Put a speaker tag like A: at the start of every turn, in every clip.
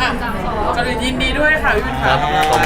A: ก็เลยยินดีด้วยค่ะพี่วินค่ะ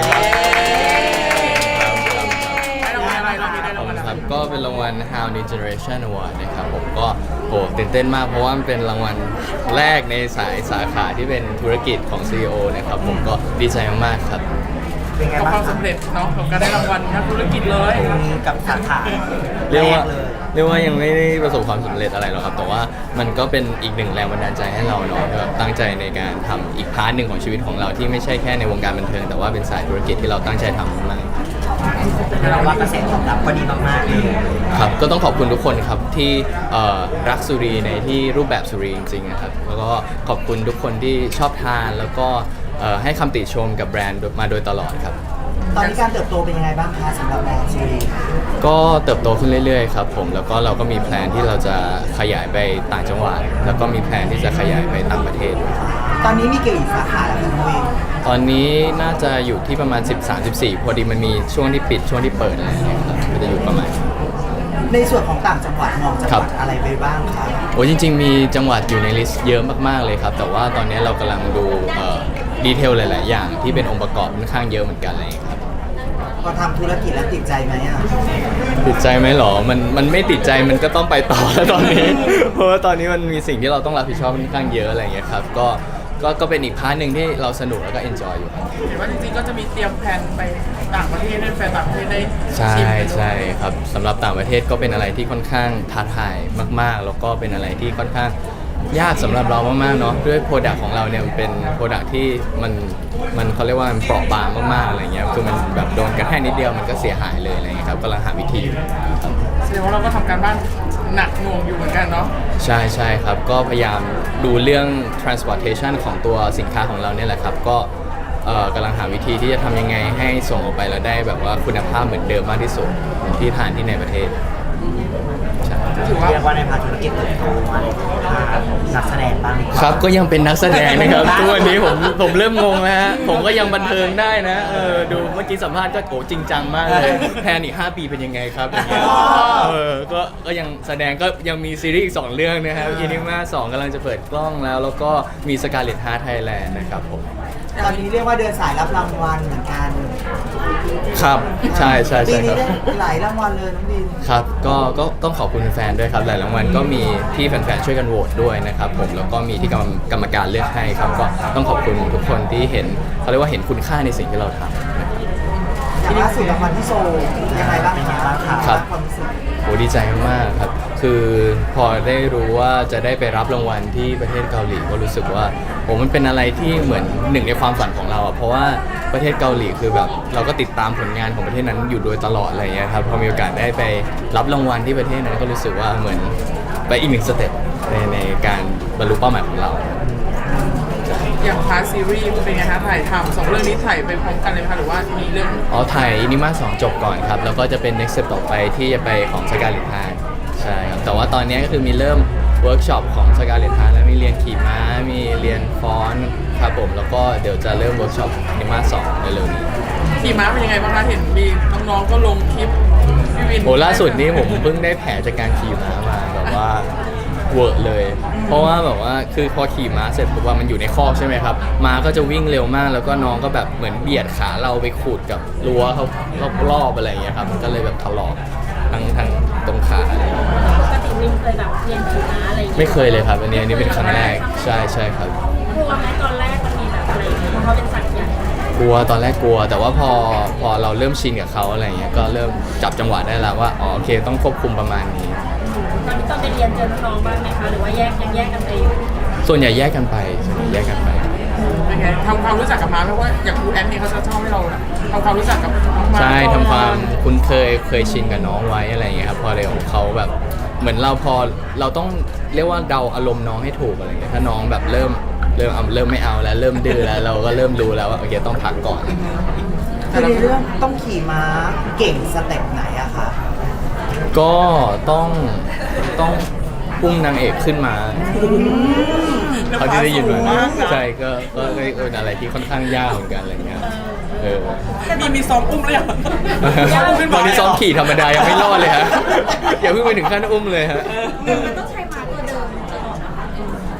A: ได้รางวัลอะไรเราได้รางวัลอะไร
B: ครับก็เป็นรางวัล How New Generation Award นะครับผมก็โหตื่นเต้นมากเพราะว่ามันเป็นรางวัลแรกในสาขาที่เป็นธุรกิจของ CEO นะครับผมก็ดีใจมากๆครับ
C: เป็นไง
A: กับ
C: บ้าง
A: ความสำเร็จเนาะกับการได้รางวัลนักธุรกิจเลย
C: กับสาขา
B: เรียกว่า
C: แเลย
B: ยังไม่ได้ประสบความสำเร็จอะไรหรอกครับแต่ว่ามันก็เป็นอีกหนึ่งแรงบันดาลใจให้เราเนาะแบบตั้งใจในการทำอีกพาร์ทหนึ่งของชีวิตของเราที่ไม่ใช่แค่ในวงการบันเทิงแต่ว่าเป็นสายธุรกิจที่เราตั้งใจทำมาก
C: เราว่ากระแสตอบรับก็ดีมากๆเลย
B: ครับก็ต้องขอบคุณทุกคนครับที่รักสุรีในที่รูปแบบสุรีจริงๆนะครับแล้วก็ขอบคุณทุกคนที่ชอบทานแล้วก็ให้คำติชมกับแบรนด์มาโดยตลอดครับ
C: ตอนนี้การเติบโตเป็นยังไงบ้างคะสำหรับแบรนด์ซีรีส์
B: ก็เติบโตขึ้นเรื่อยๆครับผมแล้วก็เราก็มีแพลนที่เราจะขยายไปต่างจังหวัดแล้วก็มีแพลนที่จะขยายไปต่างประเทศด้วย
C: ตอนนี้มีกี่สาขาแล้วคะน้องเวย์
B: ตอนนี้น่าจะอยู่ที่ประมาณ 13-14 พอดีมันมีช่วงที่ปิดช่วงที่เปิดอะไรอย่างเงี้ยครับก็จะอยู่ประมาณ
C: ในส่วนของต่างจังหวัดมองจังหวัดอะไรไปบ้างคะ
B: โอ้จริงๆมีจังหวัดอยู่ในลิสต์เยอะมากๆเลยครับแต่ว่าตอนนี้เรากำลังดูดีเทลหลายๆอย่างที่เป็นองค์ประกอบค่อนข้างเยอะเหมือนกันเลยครับ
C: พอทำธุรกิจแล้วติดใจไหมอ่ะ
B: ติดใจไหมหรอมันไม่ติดใจมันก็ต้องไปต่อแล้วตอนนี้ เพราะว่าตอนนี้มันมีสิ่งที่เราต้องรับผิดชอบค่อนข้างเยอะอะไรอย่างเงี้ยครับก็เป็นอีกพาร์ทหนึ่งที่เราสนุกแล้วก็เอนจอยอยู่ครับ
A: เห็นว่าจริงๆก็จะมีเตรียมแผนไปต่างประเทศให้แฟนต่างประเทศได้
B: ใช่
A: ชิมกันด้วย
B: ใช่ครับสำหรับต่างประเทศก็เป็นอะไรที่ค่อนข้างท้าทายมากๆ แล้วก็เป็นอะไรที่ค่อนข้างยากสำหรับเรามากๆเนาะด้วยโปรดักต์ของเราเนี่ยมันเป็นโปรดักต์ที่มันเขาเรียกว่ามันเปราะบางมากๆอะไรเงี้ยคือมันแบบโดนกระแทกนิดเดียวมันก็เสียหายเลยอะไรเงี้ยครับกำลังหาวิธีอยู่ครับ
A: แสดงว่าเราก็ทำการบ้านหนักหน่วงอยู่เหมือนกันเนาะ
B: ใช่ใช่ครับก็พยายามดูเรื่อง transportation ของตัวสินค้าของเราเนี่ยแหละครับก็กำลังหาวิธีที่จะทำยังไงให้ส่งออกไปแล้วได้แบบว่าคุณภาพเหมือนเดิมมากที่สุดเหมือนที่ทานที่ในประเทศใช่
A: ถือว่า
C: เรียกว่าในพาร์ทธุรกิจเติบโตมาในพาร์ทนักแสดงบ้างดีกว่า
B: ครับก็ยังเป็นนักแสดงนะครับ ทุกวันนี้ผมเริ่มงงแล้วฮะผมก็ยังบันเทิงได้นะดูเมื่อกี้สัมภาษณ์ก็โกจริงจังมากเลยแพลนอีก5 ปีเป็นยังไงครับอย่างเงี้ยก็ยังแสดงก็ยังมีซีรีส์อีก2 เรื่องนะครับอินิมา2กำลังจะเปิดกล้องแล้วก็มีสกาเลตฮาร์ทไทยแลนด์นะครับผม
C: ตอนนี้เรียกว่าเดินสายรับรางวัลเหมือนกัน
B: ครับใช่ใช่
C: ปี
B: ใช่ค
C: นี้
B: รับ
C: ได้หลายรางวัลเลยน้องบิน
B: ครับก็ต้องขอบคุณแฟนๆด้วยครับหลายรางวัลก็มีที่แฟนๆช่วยกันโหวตด้วยนะครับผมแล้วก็มีที่กรรมการเลือกให้ครับก็ต้องขอบคุณทุกคนที่เห็นเขาเรียกว่าเห็นคุณค่าในสิ่งที่เราทำนะครับ
C: อย่างล่าสุดรางวัลที่โซลยังไงบ้างคะ
B: ครับ
C: ความรู้สึก
B: โหดีใจมากๆครับคือพอได้รู้ว่าจะได้ไปรับรางวัลที่ประเทศเกาหลีก็รู้สึกว่าโหมันเป็นอะไรที่เหมือนหนึ่งในความฝันของเราอ่ะเพราะว่าประเทศเกาหลีคือแบบเราก็ติดตามผลงานของประเทศนั้นอยู่โดยตลอดอะไรอย่างเงี้ยครับพอมีโอกาสได้ไปรับรางวัลที่ประเทศนั้นก็รู้สึกว่าเหมือนไปอีกหนึ่งสเต็ปในการบรรลุเป้าหมายของเรา
A: อย่างพาร์ทซีรีส์เป็นไงคะถ่ายทำ2 เรื่องนี้ถ่ายไปพร้อมกันเลยไหมคะหรือว่ามีเรื่อง
B: อ๋อถ่ายอินิมา2จบก่อนครับ แล้วก็จะเป็น next step ต่อไปที่จะไปของสกาเลตฮาร์ใช่ครับ แต่ว่าตอนนี้ก็คือมีเริ่มเวิร์กช็อปของสกาเลตฮาร์แล้วมีเรียนขี่ม้า มีเรียนฟ้อนครับผม แล้วก็เดี๋ยวจะเริ่มเวิร์กช็อปอินิมา2เร็วๆนี้
A: ขี่ม้าเป็นยังไงบ้างคะเห็นมีน้องๆก็ลงคลิปพี่วิน
B: โอ้ล่าสุดนี้ผมเพิ่งได้แผลจากการขี่ม้ามาแบบว่าเวอร์เลย เพราะว่าแบบว่าคือพอขี่ม้าเสร็จปุ๊บว่ามันอยู่ในคอกใช่ไหมครับม้าก็จะวิ่งเร็วมาก แล้วก็น้องก็แบบเหมือนเบียดขาเราไปขูดกับรั้วเขารอบๆอะไรอย่างเงี้ยครับมันก็เลยแบบถลอกทั้งตรงขาอะไรอย่างเงี้ย
D: ปกติมินเคยแบบเรียนขี่ม้าอะไรอย่างเงี้ย
B: ไม่เคยเลยครับอันนี้เป็นครั้งแรกใช่ใช่ครับ
D: กลัวไหมตอนแรกมันมีแบบอะไรอย่างเงี้ยเพราะเขาเป็นสัตว์ใหญ่
B: กลัวตอนแรกกลัว แต่ว่าพอเราเริ่มชินกับเขาอะไรอย่างเงี้ยก็เริ่มจับจังหวะได้แล้วว่าอ๋อโอเคต้องควบคุมประมาณนี้
D: ตอนนี้ตอนไปเรียนเจอน้องๆบ้างไหมคะหรือว่ายังแยกกันไปอยู่
B: ส่วนใหญ่แยกกันไปส่วนใหญ่แยกกันไป
A: เป็นไงทำความรู้จักกับม้าเพราะว่าอย่างครูแอนนี่เขาจะชอบให้เราทำความรู้จักกับน้องม้า
B: ใช่
A: ก่อน
B: ทำความคุ้นเคยชินกับน้องไว้อะไรอย่างเงี้ยครับพอเร็วเขาแบบเหมือนเราพอเราต้องเรียกว่าเดาอารมณ์น้องให้ถูกอะไรเงี้ยถ้าน้องแบบเริ่มไม่เอาแล้วเริ่มดื้อแล้วเราก็เริ่มรู้แล้วว่าโอเคต้องพักก่อน
C: คือในเรื่องต้องขี่ม้าเก่งสเต็ปไหนอะคะ
B: ก็ต้องพุ่งนางเอกขึ้นมาเขาที่ได้ยินมาใช่ก็เป็นอะไรที่ค่อนข้างยากเหมือนกันอะไรเงี้ย
A: มีซ้อมอุ้มเลยเหรอ
B: ตอนนี้ซ้อมขี่ธรรมดายังไม่รอดเลยฮะอย่าเพิ่งไปถึงขั้นอุ้มเลยฮะ
D: มันต้องใช้ม้าตัวเดิมตลอดนะคะ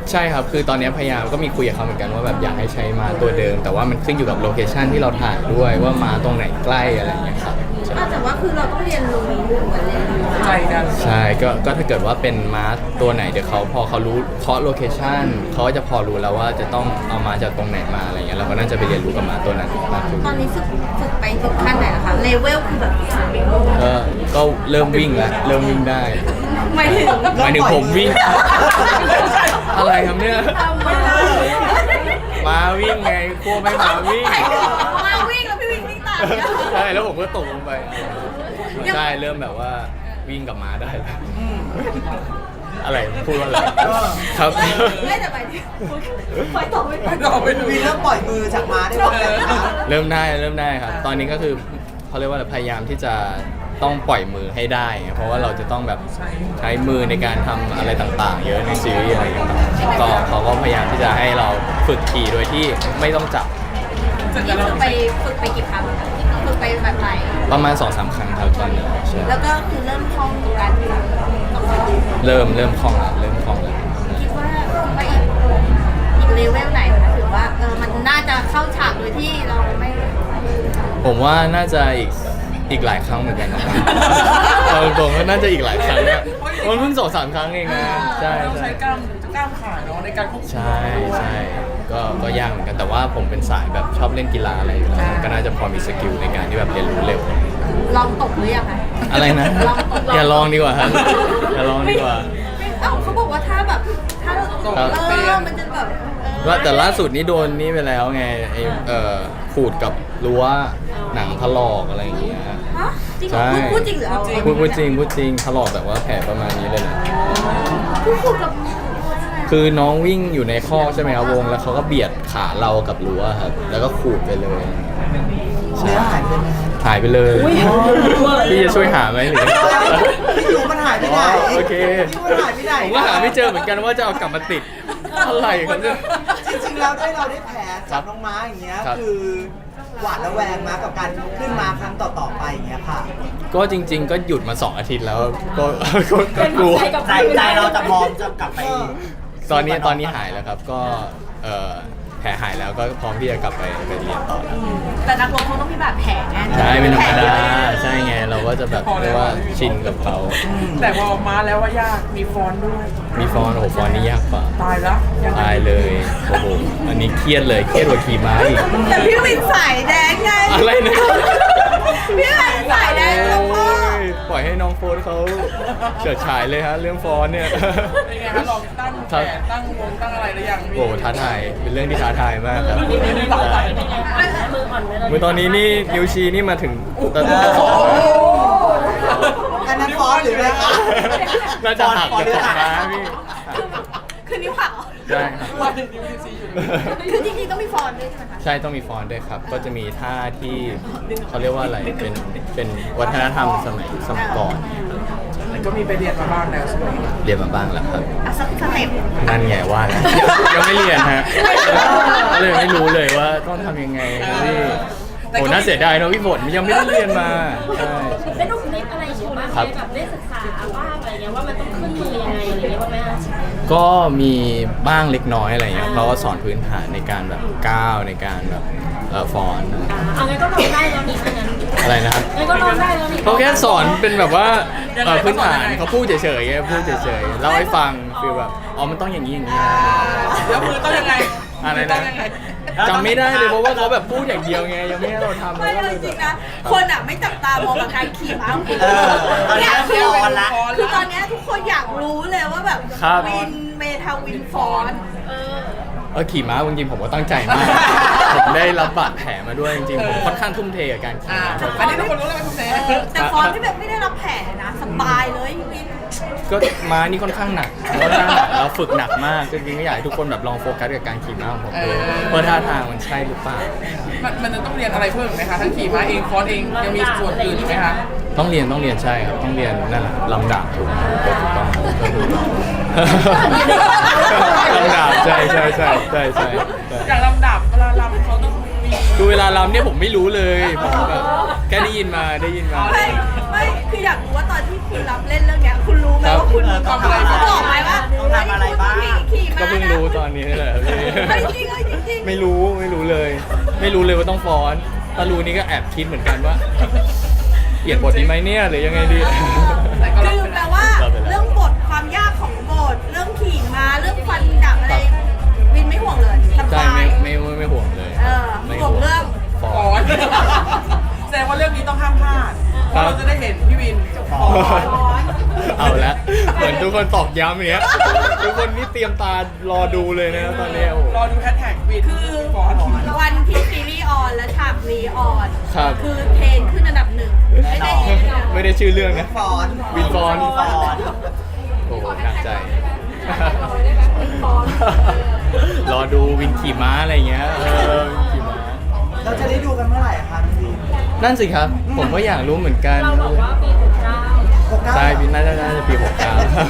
B: ใช่ครับคือตอนนี้พยายามก็มีคุยกับเขาเหมือนกันว่าแบบอยากให้ใช้ม้าตัวเดิม แต่ว่ามันขึ้นอยู่กับโลเคชันที่เราถ่ายด้วยว่าม้าตรงไหนใกล้อะไรอย่างเงี้ยครับใช่
D: แต่ว่าคือเราต้องเรียนรู้เหมือนเรียนรู้
A: ใจกัน
B: ใช่ก็ถ้าเกิดว่าเป็นม้าตัวไหนเดี๋ยวเขาพอเขารู้เคาะโลเคชันเขาก็จะพอรู้แล้วว่าจะต้องเอาม้าจากตรงไหนมาอะไรเงี้ยเราก็น่าจะไปเรียนรู้กับม้าตัวนั้นมากขึ้น
D: ตอนนี้ฝึกไปถึงขั้นไหนแล้วคะเลเวลคือแบบ
B: ก็เริ่มวิ่งแล้วเริ่มวิ่งได้
D: หมายถึง
B: หมายถึงผมวิ่ง อะไรครับเนี่ย
D: ทำไม่ได้
B: ม้าวิ่งไงพวกไม่ม้าวิ่ง
D: มาวิ่งแล้วพี่วิ่งตามเนี่ย
B: ใช่แล้วผมก็ตกลงไปใช่เริ่มแบบว่าวิ่งกับม้าได้แล้วอะไรพูดว่าอะไรครับ
D: ไม่แต่ไปที่ไปต่อไม่ไป
A: เราไปดู
C: วีเริ่มปล่อยมือจากม้าได้บ้างแล้วนะคะ
B: เริ่มได้ครับ ตอนนี้ก็คือเขาเรียกว่าอะไรพยายามที่จะต้องปล่อยมือให้ได้ เพราะว่าเราจะต้องแบบใช้มือในการทำอะไรต่างๆ เยอะในซีรีส์อะไรอย่างเงี้ยก็เขาก็พยายามที่จะให้เราฝึกขี่โดยที่ไม่ต้องจับ
D: นี่คือไปฝึกไปกี่ครั้งคะฝึกไปแบบไหน
B: ประมาณ 2-3 ครั้งครับตอนนี้ใช่
D: แล้วก็คือเริ่มคล่องกับการที่แบบต้องไปดู
B: เริ่มคล่องแล้วเริ่มคล่องแล้ว
D: คิดว่าอีกเลเวลไหนคะถือว่ามันน่าจะเข้าฉากโดยที่เราไม่
B: ผมว่าน่าจะอีกหลายครั้งเหมือนกันนะ เอาตรงๆว่าน่าจะอีกหลายครั้งนะมันเพิ่ง2-3 ครั้งเองนะใช่
A: ต้อง
B: ใช่
A: ใช้กล้ามขาเนาะในการควบคุม
B: ใช่ก็ยากเหมือนกันแต่ว่าผมเป็นสายแบบชอบเล่นกีฬาอะไรอยู่แล้วก็น่าจะพอมีสกิลในการที่แบบเรียนรู้เร็ว
D: ลองตกหรือยังคะ
B: อะไรนะ
D: ลองตก
B: อย่าลองดีกว่าครับอย่าลองดีกว่า
D: เขาบอกว่าถ้าแบบถ้าเราตกมันจะแบบ
B: ว่าแต่ล่าสุดนี้โดนนี่ไปแล้วไงไอ้ขูดกับรั้วหนังถลอกอะไรอย่างเงี้ย
D: ฮะจริงเหร
B: ใช่
D: อพูดจริงหรือเอา
B: พูดจริงถลอกแบบว่าแผลประมาณนี้เลยนะ
D: พูดกับ
B: คือน้องวิ่งอยู่ในคอกใช่ไหมครับวงแล้วเขาก็เบียดขาเรากับรั้วครับแล้วก็ขูดไปเลย
C: เนื้อหายไปไหม
B: หายไปเลยพี่จะช่วยหาไหมหรือ
C: พี่อยู่มันหายไปไหน
B: โอเค
C: พี่มันหายไปไหน
B: ผมก็หาไม่เจอเหมือนกันว่าจะเอากลับมาติดอะไรครับเนี่ย
C: จริงๆแล้วได้เราได้แผลจากน้องม้าอย่างเงี้ย
B: ครับ
C: คือหวาดระแวงมากับการขึ้นมาครั้งต่อๆไปอย่างเงี้ยค่ะ
B: ก็จริง ๆ ก็หยุดมา2 อาทิตย์แล้วก็กลัว
C: ใจเราจะพร้อมจะกลับไป
B: ตอนนี้หายแล้วครับก็แผลหายแล้วก็พร้อมที่จะกลับไปเรียนต่อแล้ว
D: แต่นักรบเขาต้องมีบาดแผลไง
B: ใช่เป็นธรรมดาใช่ไงเราก็จะแบบเรียกว่าชินกับเขา
A: แต่พอมาแล้วว่ายากมีฟอนต์ด้วย
B: มีฟอนต์โอ้โหฟอนต์นี่ยากกว่า
A: ตายแล้วยังไง
B: ตายเลยโอ้โหอันนี้เครียดเลยเครียดกว่าขี่ม้าอีก
D: แต่พี่วินสายแดงไง
B: อะไรนะ
D: พี่วินสายแดง
B: โอ้
D: แล้วพ่อย
B: ปล่อยให้น้องโฟนเขาเฉิดฉายเลยฮะเรื่องฟอนต์เนี่ย
A: เป็นไงคะลองตั้งแผนตั้งวงตั้งอะไรหรือยัง
B: โอ้ท้าทายเป็นเรื่องที่ท้าทายมากครับ
D: มืออ่อนไหม
B: เมื่อตอนนี้นี่นิ้วชี้นี่มาถึงตะ
C: อันนั้นฟอนต์หรืออะไรคะ
B: น่าจะหักจากของม้าพี่
D: คือนิ้วหักเหรอ
B: ได้ครับ
A: ว่าเป็นยูซีอยู่
D: คือจริงๆต้องมีฟอนต์ด้วยใช่ไหมคะ
B: ใช่ต้องมีฟอนต์ด้วยครับ ก็จะมีท่าที่เขาเรียกว่าอะไรเป็นวัฒนธรรมสมัยก่อน
A: แต่ก็มีไปเรียนมาบ้างแล้วใช่ไหม
B: เรียนมาบ้างแล้วครับ
D: อ่ะสักสเต็ป
B: นั่นไงว่าแล้วยังไม่เรียนฮะก็เลยไม่รู้เลยว่าต้องทำยังไงพี่โอ้น่าเสียดายเนอะพี่ฝนยังไม่ได้เรียนมาใช่
D: ได้ดูคลิปอะไรอยู่บ้างไหมแบบได้ศึกษาบ้างอะไรเงี้ยว่ามันต้องขึ้นมือยังไงอะไรเงี้ยว่าไหมคะ
B: ก็มีบ้างเล็กน้อยอะไรเงี้ยเขาก็สอนพื้นฐานในการแบบก้าวในการแบบฟอนต์
D: เอางั้นก็ลองได้แล้วนี่ถ้างั้น
B: อะไรนะครับ
D: งั้นก็ลองได้แล้วนี่
B: เขาแค่สอนเป็นแบบว่าพื้นฐานเขาพูดเฉยๆไงพูดเฉยๆเล่าให้ฟังฟีลแบบอ๋อมันต้องอย่างนี้อย่างนี้นะ
A: แล้วมือต้องยังไง
B: อะไร
A: ต้
B: นะ
A: องยังไง
B: จำไม่ได้เลยเพราะว่าเขาแบบพูดอย่างเดียวไงยังไม่ให้เราทำเล
D: ไม่
B: ยก็
D: เล
B: เลย ย
D: จ
B: แบ
D: ริ
B: บ
D: งนะ คนอ่ะไม่จับตามองกับการขี่ม้าของคุณ
C: ตอนนี้
D: เนี่ยคือ
C: ฟอนต์ละ
D: คือตอนเนี้ยทุกคนอยากรู้เลยว่าแบบ
B: ครับ
D: วินเมทาวินฟอนต์
B: ขี่ม้าจริงๆผมก็ตั้งใจมาก ผมได้รับบาดแผลมาด้วยจริงๆผมค่อนข้างทุ่มเทกับการขี่
A: อ่า
B: ม้า
A: อันนี้ทุกคนรู้เลยว่าคุณแม่
D: แต่ฟอนต์ที่แบบไม่ได้รับแผลนะสบายเลยวิน
B: ก็ม้านี่ค่อนข้างหนักเราฝึกหนักมากจริงๆก็อยากให้ทุกคนแบบลองโฟกัสกับการขี่ม้าของผมดูว่าท่าทางมันใช่หรือเปล่า
A: มันจะต้องเรียนอะไรเพิ่มไหมคะทั้งขี่ม้าเองคอร์สเองยังมีส่วนอื่นอีกไหมคะ
B: ต้องเรียนใช่ครับต้องเรียนนั่นแหละลำดับถูกต้องลำดับใช่
A: อย่างลำดับเวลาลำเขาต้องมี
B: คือเวลาลำเนี่ยผมไม่รู้เลยผมแบบแค่ได้ยินมา
D: ไม่คืออยากรู้ว่าตอนที่คุณรับเล่นเรื่องเนี้ยคุณรู้ไหมว่าคุณ
C: ทำอะไร
D: เขาบอกไหมว่า
C: ต้องทำอะไรบ้าง
D: ขี่ม้า
B: ก็เพิ่งรู้
D: เฮ้ยจริงเฮ้ยจริง
B: ไม่รู้เลย ไม่รู้เลยว่าต้องฟ้อนถ้ารู้นี่ก็แอบคิดเหมือนกันว่า เปลี่ยนบทดีไหมเนี่ยหรือยังไงดี
A: แต่ก็รับ
D: คือ
A: ไป
D: แปล
A: แล้ว
D: ว่า
B: รับไปแล้ว
D: เรื่องบทความยากของบทเรื่องขี่ม้าเรื่องฟันดาบอะไรวินไม่ห่วงเลยส
B: ใช่
D: บาย
B: ไม่ห่วงเลย ไม่
D: ห่วงเรื่อง
B: ฟ้
A: ฟ้
B: อ
A: อน นแสดงว่าเรื่องนี้ต้องห้ามพลาดเพราะเราจะได้เห็นพี่วินฟ้อน
B: เอาละเหมือนทุกคนตอกย้ำอย่างเงี้ยทุกคนนี่เตรียมตารอดูเลยนะตอนนี้โอ้โห
A: รอดูแฮชแท็กวินฟ้อน
D: วันที่ซีรีส์ออนและฉากนี้ออน
B: ครับ
D: คือเทรนขึ้นอันดับหนึ่งไม่ได้
B: ไม่ได้ชื่อเรื่องนะ
C: ฟอน
B: วินฟอน
C: ฟอน
B: โอ้โหหนักใจ รอดูวินขี่ม้าอะไรเงี้ยวินขี่ม้า
C: เราจะได้ดูกันเมื่อไหร่อะคะพี่
B: นั่นสิครับ ผมก็อยากรู้เหมือนกัน
E: เราบอกว่าปี69
C: 69
B: ใช่ปีน่าจะปี 69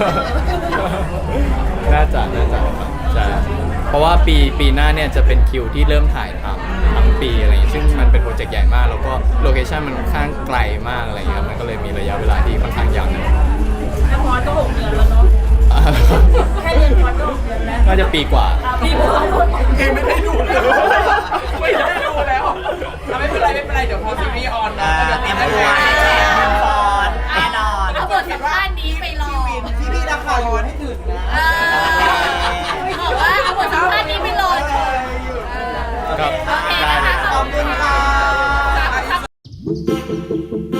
B: น่าจะครับใช่เพราะว่าปีหน้าเนี่ยจะเป็นคิวที่เริ่มถ่ายทำทั้งปีอะไรอย่างเงี้ยซึ่งมันเป็นโปรเจกต์ใหญ่มาก แล้วก็โลเคชั่นมันค่อนข้างไกลมากอะไรอย่างเงี้ยครับมันก็เลยมีระยะเวลาที่ค่อนข้างยาวนาน
E: แค่พอดก็6 เดือนแล้วเนาะ แค่เรียนพอดก็6 เดือนแล้ว
B: น่าจะปีกว่า
E: ปีกว่า
A: เองไม่ได้ดูเลยไม่ได้ดูแล้วไม่เป็นไรเดี๋ยวพอซีรีส์ออนนะเดี๋ยว
C: เตรียม
A: ให้
C: ตัว
A: ดู
C: ให้แชร์วินฟอนแน่นอน
D: เอาบทสัมภาษณ์นี้ไปรอ
C: ที่พี่นักข่าวอยู่ให้ถึงนะ
D: บอกว่าเอาบทสัมภาษณ์นี้ไปรอชม
B: ครับ
D: โอเค
B: ได้
D: นะ
B: เลย
D: คะ
C: ขอบคุณค่ะ
D: ขอบคุณ